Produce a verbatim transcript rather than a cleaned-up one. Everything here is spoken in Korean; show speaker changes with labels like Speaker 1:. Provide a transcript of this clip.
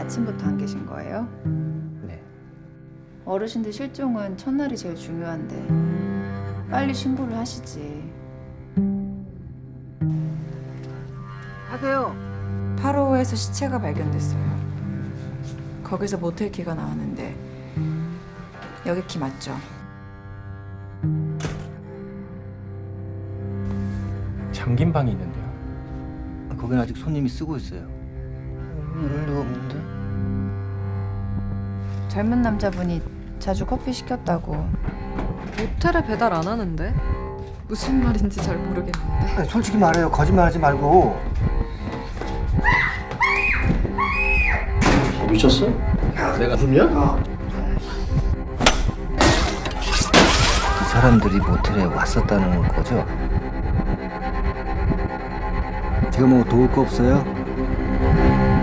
Speaker 1: 아침부터 안 계신 거예요?
Speaker 2: 네.
Speaker 1: 어르신들 실종은 첫날이 제일 중요한데 빨리 신고를 하시지.
Speaker 2: 하세요.
Speaker 1: 팔 호에서 시체가 발견됐어요. 거기서 모텔 키가 나왔는데 여기 키 맞죠?
Speaker 3: 잠긴 방이 있는데요.
Speaker 2: 거긴 아직 손님이 쓰고 있어요. 이럴 리가 없는데?
Speaker 1: 젊은 남자분이 자주 커피 시켰다고.
Speaker 4: 모텔에 배달 안 하는데? 무슨 말인지 잘 모르겠는데.
Speaker 2: 아니, 솔직히 말해요. 거짓말하지 말고.
Speaker 5: 미쳤어? 내가 숨이야?
Speaker 2: 그 사람들이 모텔에 왔었다는 거죠? 제가 뭐 도울 거 없어요?